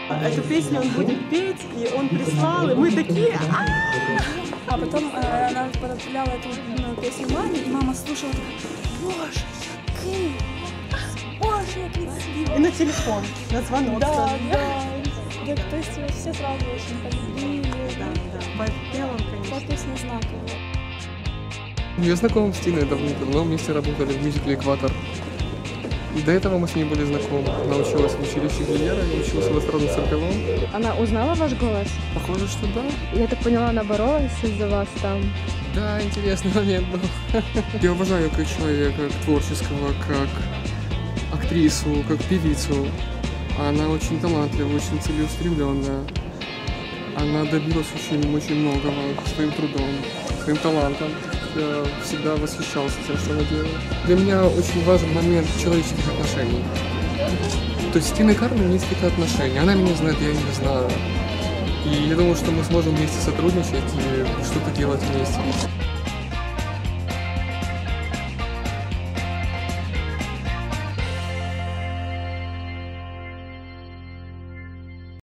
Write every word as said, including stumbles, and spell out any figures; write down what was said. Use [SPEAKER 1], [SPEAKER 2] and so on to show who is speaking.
[SPEAKER 1] Эту песню он будет петь, и он прислал, и мы такие...
[SPEAKER 2] А потом э, она отправляла эту ну, песню маме, и мама слушала, такая, боже, який, боже, як красиво.
[SPEAKER 1] И на телефон, на звонок.
[SPEAKER 2] Да,
[SPEAKER 1] сразу.
[SPEAKER 2] да. Да, то есть все сразу очень полюбили.
[SPEAKER 1] Да, да. По он,
[SPEAKER 2] Та
[SPEAKER 1] конечно.
[SPEAKER 2] песня знаковая.
[SPEAKER 3] Я знаком с Тиной давно, вместе работали в мюзикле «Экватор». До этого мы с ней были знакомы. Она училась в училище Глиера, я учился в эстрадном цирковом.
[SPEAKER 4] Она узнала ваш голос?
[SPEAKER 3] Похоже, что да.
[SPEAKER 4] Я так поняла, она боролась из-за вас там.
[SPEAKER 3] Да, интересный момент был. Я уважаю ее как человека, как творческого, как актрису, как певицу. Она очень талантлива, очень целеустремленная. Она добилась очень-очень многого своим трудом, своим талантом. Я всегда восхищался тем, что она делала. Для меня очень важен момент человеческих отношений. То есть с Тиной Кармен есть какие-то отношения. Она меня знает, я ее знаю. И я думаю, что мы сможем вместе сотрудничать и что-то делать вместе.